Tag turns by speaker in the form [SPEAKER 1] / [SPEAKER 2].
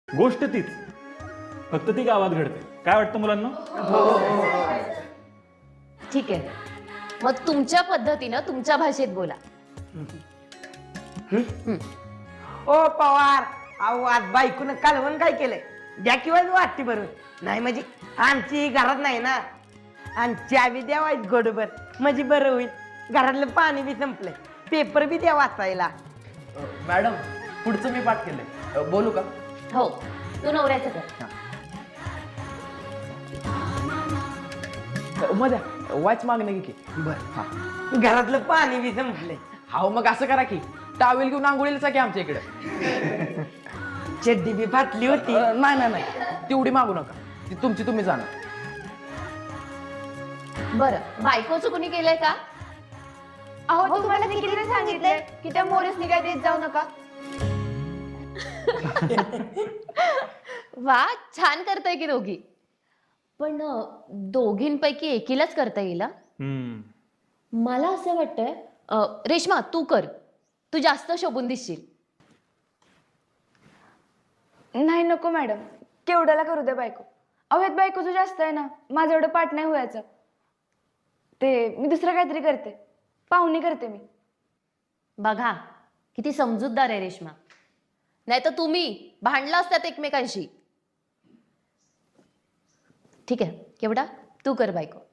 [SPEAKER 1] गोष्ट तीच, फक्त ती गावात घडते. काय वाटतं मुलांना?
[SPEAKER 2] ठीक आहे, मग तुमच्या पद्धतीनं तुमच्या भाषेत बोला.
[SPEAKER 3] ओ पवार, अहो आज बायकोनं कालवण काय केलंय? द्या किंवा वाटते बरोबर. नाही म्हणजे आमची घरात नाही ना, आणि चावी द्या वाईट गोडबर म्हणजे बरं होईल. घरातलं पाणी बी संपलंय, पेपर बी द्या वाचायला.
[SPEAKER 4] मॅडम, पुढचं मी पाठ केलंय, बोलू का?
[SPEAKER 2] हो, तू नवऱ्याचं कर.
[SPEAKER 4] मध्या वाच मागणे की.
[SPEAKER 3] घरातलं पाणी बी संपलंय.
[SPEAKER 4] हाव, मग असं करा की टावेल घेऊन आंघोळीला की आमच्या इकडे.
[SPEAKER 3] चड्डी बी फाटली होती.
[SPEAKER 4] नाही नाही नाही, तेवढी मागू नका, ती तुमची तुम्ही जाणार.
[SPEAKER 2] बरं, बायकोचं कुणी केलंय का?
[SPEAKER 5] अहो तुम्हाला मी किती सांगितलंय की त्या मोरेसनी काय देत जाऊ नका.
[SPEAKER 2] वा, छान करताय की दोघी. पण दोघींपैकी एकीलाच करता येईल हा? मला असं वाटतंय रेश्मा तू कर, तू जास्त शोभून दिसशील.
[SPEAKER 5] नाही नको मॅडम, केवढ्याला करू द्या बायको. अहो ह्यात बायकोचं जास्त आहे ना, माझं एवढं पाठ नाही व्हायचं. ते मी दुसरं काहीतरी करते, पाहुणी करते मी.
[SPEAKER 2] बघा किती समजूतदार आहे रेश्मा. नाही तर तुम्ही भांडला असतात एकमेकांशी. ठीक आहे, केवढा तू कर बायको.